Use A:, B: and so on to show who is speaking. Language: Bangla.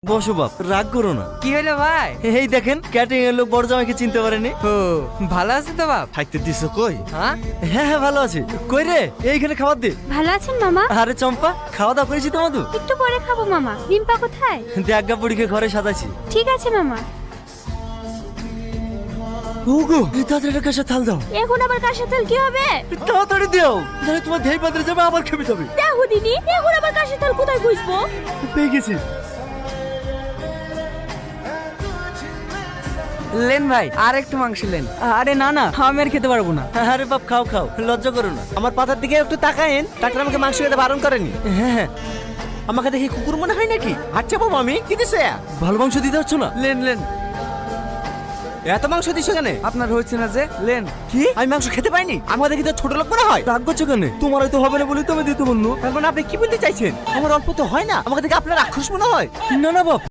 A: বসো বাপ, রাগ করো না।
B: কি হলো ভাই?
A: এই দেখেন ক্যাটারিং এর লোক বড় জামাইকে চিনতে পারেনি।
B: ও ভালো আছে তো বাপ?
A: থাকতে দিছো কই?
B: হ্যাঁ
A: হ্যাঁ হ্যাঁ ভালো আছে। কই রে, এইখানে খাবার দে।
C: ভালো আছেন মামা?
A: আরে চম্পা, খাওয়া দাওয়া করেছি তো মধু?
C: একটু পরে খাবো মামা। রিম্পা কোথায়?
A: দেখ বুড়িকে ঘরে সাজাচ্ছি।
C: ঠিক আছে মামা।
A: ওগো, তাড়াতাড়ি কাছে থাল দাও।
C: এখন আবার কার সাথে কি হবে?
A: তাড়াতাড়ি দাও, তাহলে তোমার ধেই পাত্রে যাবে, আবার খেপে যাবে।
C: দেখো দিদি, এখন আবার কার সাথে কোথায় খুঁজবো?
A: পেয়ে গেছি।
B: লেন ভাই, আর একটু মাংস লেন। আরে না না, আমি আর খেতে পারবো না।
A: আরে বাপ, খাও খাও, লজ্জা করো না।
D: আমার পাতার দিকে একটু তাকায়েন। ডাক্তার আমাকে মাংস খেতে বারণ করেনি।
A: হ্যাঁ হ্যাঁ,
D: আমাকে দেখে কুকুর মনে হয় নাকি? আচ্ছা বাবু, আমি কি দিছে?
A: ভালো মাংস দিতে হচ্ছে না।
B: লেন লেন,
D: এত মাংস দিছো কেন?
B: আপনার হচ্ছে না যে? লেন।
D: কি আমি মাংস খেতে পাইনি? আমাদের কি তো ছোট লোক মনে হয়?
A: রাগ করছো কেন? তোমার হয়তো হবে না বলে তুমি দিতে বললো।
D: তার মানে আপনি কি বলতে চাইছেন? আমার অল্প তো হয় না, আমাকে দেখে আপনার রাক্ষস মনে হয়?
A: না না বাপ,